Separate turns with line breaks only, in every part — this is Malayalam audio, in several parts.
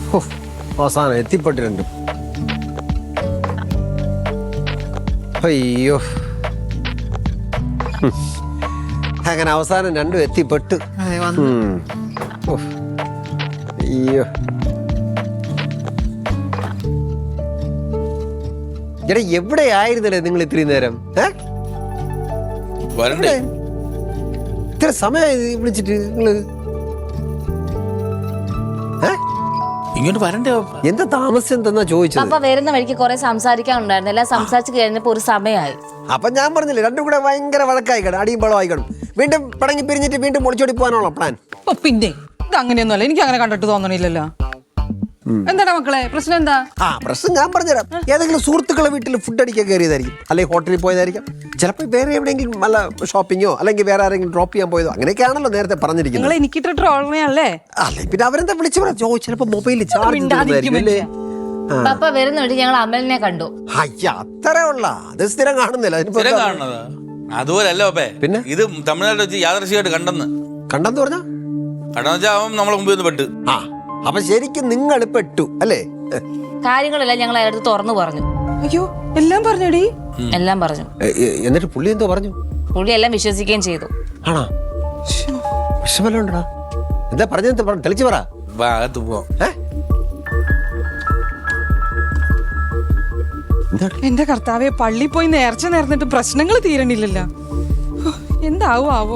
അവസാനം എത്തിപ്പെട്ട് രണ്ടും. അയ്യോ, അങ്ങനെ അവസാനം രണ്ടും എത്തിപ്പെട്ട്. അയ്യോ, എടാ എവിടെയായിരുന്നല്ലേ നിങ്ങൾ ഇത്രയും നേരം? ഇത്ര സമയമായി വിളിച്ചിട്ട് നിങ്ങള്
ഇങ്ങോട്ട് വരണ്ടേ?
എന്താ താമസം എന്തെന്നാ ചോദിച്ചത്?
അപ്പൊ വരുന്ന വഴിക്ക് കുറെ സംസാരിക്കാനുണ്ടായിരുന്നു. എല്ലാം സംസാരിച്ച് കഴിഞ്ഞപ്പോ ഒരു സമയമായി.
അപ്പൊ ഞാൻ പറഞ്ഞില്ലേ, രണ്ടും കൂടെ ഭയങ്കര വഴക്കായിക്കണം, അടിയും ബളമായിക്കണം. വീണ്ടും പടങ്ങി പിരിഞ്ഞിട്ട് വീണ്ടും ഒളിച്ചോടി പോകാനുള്ള പ്ലാൻ.
പിന്നെ ഇത് അങ്ങനെയൊന്നുമല്ല, എനിക്ക് അങ്ങനെ കണ്ടിട്ട് തോന്നണില്ലല്ലോ. എന്താടാ മക്കളെ, പ്രശ്നം എന്താ?
പ്രശ്നം ഞാൻ പറഞ്ഞുതരാം. ഏതെങ്കിലും സുഹൃത്തുക്കളെ വീട്ടിൽ ഫുഡ് അടിക്കാൻ കയറിയതായിരിക്കും, അല്ലെങ്കിൽ ഹോട്ടലിൽ പോയതായിരിക്കും, ചിലപ്പോൾ വേറെ എവിടെയെങ്കിലും നല്ല ഷോപ്പിങ്ങോ അല്ലെങ്കിൽ വേറെ ആരെങ്കിലും ഡ്രോപ്പ് ചെയ്യാൻ പോയതോ, അങ്ങനെയൊക്കെയാണല്ലോ നേരത്തെ പറഞ്ഞിരിക്കുന്നത്.
എനിക്കിട്ട് ട്രോളണല്ലേ?
അല്ലെ പിന്നെ അവരെന്താ വിളിച്ചു പറയാം, ചിലപ്പോ മൊബൈലിൽ ചാർജ്.
പപ്പ വരുന്ന വഴി ഞങ്ങൾ അമലിനെ കണ്ടു.
അയ്യ, അത്രേ ഉള്ള അത് സ്ഥിരം കാണുന്നില്ല.
അതുപോലല്ലോ
പിന്നെ
ഇത് തമിഴ്നാട്ടിൽ വെച്ച് യാദൃശ്ചികമായിട്ട്
കണ്ടെന്ന് പറഞ്ഞാ
അവൻ നമ്മളെ മുമ്പിൽ നിന്ന് പെട്ട്.
അപ്പൊ ശരിക്കും നിങ്ങൾ പെട്ടു അല്ലേ?
കാര്യങ്ങളെല്ലാം ഞങ്ങൾ അയാളടുത്ത് തുറന്നു പറഞ്ഞു.
അയ്യോ, എല്ലാം പറഞ്ഞടി?
എല്ലാം പറഞ്ഞു.
എന്നിട്ട് പുള്ളി എന്തോ പറഞ്ഞു?
പുള്ളി എല്ലാം വിശ്വസിക്കുകയും ചെയ്തു.
ആണോ? വിഷമല്ലോണ്ടാ? എന്താ പറഞ്ഞത്? തെളിച്ചു പറ.
അകത്ത് പോവാം.
എന്റെ കർത്താവെ, പള്ളി പോയി നേർച്ച നേർന്നിട്ട് പ്രശ്നങ്ങൾ തീരണില്ലല്ലോ. എന്താവോ ആവോ.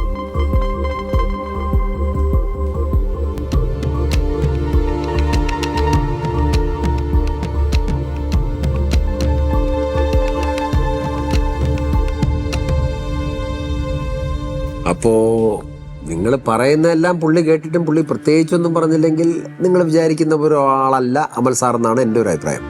അപ്പോ നിങ്ങൾ പറയുന്നതെല്ലാം പുള്ളി കേട്ടിട്ടും പുള്ളി പ്രത്യേകിച്ചൊന്നും പറഞ്ഞില്ലെങ്കിൽ നിങ്ങൾ വിചാരിക്കുന്ന ഒരാളല്ല അമൽ സാർ എന്നാണ് എൻ്റെ ഒരു അഭിപ്രായം.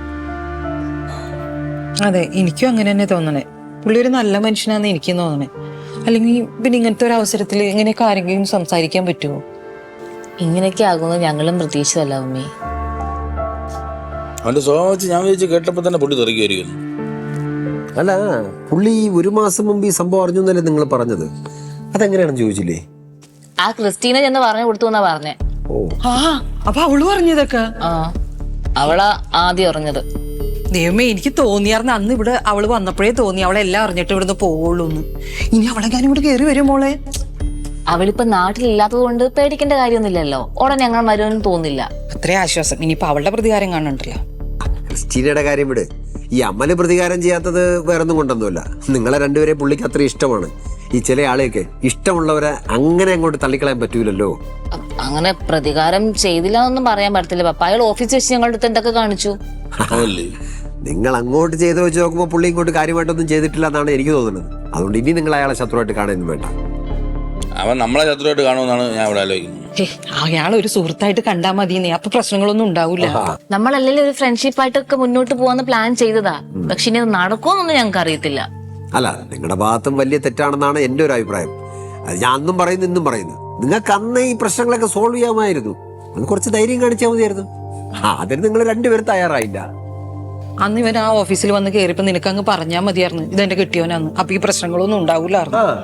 അതെ, എനിക്കും അങ്ങനെ തന്നെ തോന്നണേ. പുള്ളി ഒരു നല്ല മനുഷ്യനാന്ന് എനിക്കും തോന്നണേ. അല്ലെങ്കിൽ പിന്നെ ഇങ്ങനത്തെ ഒരു അവസരത്തിൽ ഇങ്ങനെയൊക്കെ ആരെങ്കിലും സംസാരിക്കാൻ പറ്റുമോ?
ഇങ്ങനെയൊക്കെ ആകുമെന്ന് ഞങ്ങളും പ്രതീക്ഷിച്ചല്ല ഉമ്മി.
അവന്റെ സ്വഭാവം വെച്ച് ഞാൻ വിചാരിച്ചു കേട്ടപ്പോ തന്നെ പുള്ളി തെറിക്കുമായിരിക്കും.
അല്ല, പുള്ളി 1 മാസം മുമ്പ് ഈ സംഭവം അറിഞ്ഞു എന്നല്ലേ നിങ്ങൾ പറഞ്ഞത്? അതെങ്ങനെയാണെന്ന് ചോദിച്ചില്ലേ?
ആ ക്രിസ്റ്റീന ചെന്ന് പറഞ്ഞു കൊടുത്തു എന്നാ പറഞ്ഞേ.
അപ്പൊ അവള് പറഞ്ഞതൊക്കെ
അവളാ ആദ്യം അറിഞ്ഞത്.
ദൈവമേ, എനിക്ക് തോന്നിയാർന്ന് അന്ന് ഇവിടെ അവള് വന്നപ്പോഴേ തോന്നി അവളെല്ലാം അറിഞ്ഞിട്ട് ഇവിടുന്ന് പോവുള്ളൂ. ഇനി അവളെ ഞാൻ ഇവിടെ കയറി വരും മോളെ.
അവളിപ്പോ നാട്ടിലില്ലാത്തത് കൊണ്ട് പേടിക്കേണ്ട കാര്യമൊന്നുമില്ലല്ലോ. ഉടനെ ഞങ്ങൾ വരുമെന്ന് തോന്നില്ല.
അത്രേ ആശ്വാസം. ഇനിയിപ്പൊ അവളുടെ പ്രതികാരം കാണണ്ടല്ലോ.
ക്രിസ്റ്റീനയുടെ കാര്യം വിട്. ഈ അമല് പ്രതികാരം ചെയ്യാത്തത് വേറൊന്നും കൊണ്ടൊന്നുമില്ല. നിങ്ങളെ രണ്ടുപേരെ പുള്ളിക്ക് അത്ര ഇഷ്ടമാണ്. ഈ ചില ആളെയൊക്കെ ഇഷ്ടമുള്ളവരെ അങ്ങനെ അങ്ങോട്ട് തള്ളിക്കളയാൻ പറ്റൂലല്ലോ.
അങ്ങനെ പ്രതികാരം ചെയ്തില്ല എന്നൊന്നും പറയാൻ പറ്റത്തില്ല പപ്പ. അയാൾ ഓഫീസിൽ വെച്ച് ഞങ്ങളുടെ അടുത്ത് എന്തൊക്കെ കാണിച്ചു.
നിങ്ങൾ അങ്ങോട്ട് ചെയ്ത് വെച്ച് നോക്കുമ്പോൾ പുള്ളി ഇങ്ങോട്ട് കാര്യമായിട്ടൊന്നും ചെയ്തിട്ടില്ല എന്നാണ് എനിക്ക് തോന്നുന്നത്. അതുകൊണ്ട് ഇനി നിങ്ങൾ അയാളെ ശത്രുവായിട്ട് കാണാനും വേണ്ട.
അവൻ നമ്മളെ ശത്രുവായിട്ട് കാണുമെന്നാണ് ഞാൻ ഇവിടെ ആലോചിക്കുന്നത്.
അയാൾ ഒരു സുഹൃത്തായിട്ട് കണ്ടാ മതി, അപ്പൊ പ്രശ്നങ്ങളൊന്നും ഉണ്ടാവൂല.
നമ്മളല്ലെങ്കിൽ ഒരു ഫ്രണ്ട്ഷിപ്പായിട്ടൊക്കെ മുന്നോട്ട് പോവാന്ന് പ്ലാൻ ചെയ്തതാ. പക്ഷെ ഇനി അത് നടക്കുമെന്നൊന്നും ഞങ്ങൾക്ക് അറിയത്തില്ല.
അല്ല, നിങ്ങളുടെ ഭാഗത്തും വലിയ തെറ്റാണെന്നാണ് എൻ്റെ ഒരു അഭിപ്രായം. അത് ഞാൻ അന്നും പറയുന്നു ഇന്നും പറയുന്നു. നിങ്ങൾക്ക് അന്ന് ഈ പ്രശ്നങ്ങളൊക്കെ സോൾവ് ചെയ്യാമായിരുന്നു. അത് കുറച്ച് ധൈര്യം കാണിച്ചാൽ മതിയായിരുന്നു. അതിന് നിങ്ങൾ രണ്ടുപേരും തയ്യാറായില്ല.
അന്ന് ഇവൻ ആ ഓഫീസിൽ വന്ന് കയറിയപ്പോ നിനക്ക് അങ്ങ് പറഞ്ഞാൽ മതിയായിരുന്നു ഇതെന്റെ കിട്ടിയോനാന്ന്. അപ്പൊ ഈ പ്രശ്നങ്ങളൊന്നും ഉണ്ടാവൂലായിരുന്നു.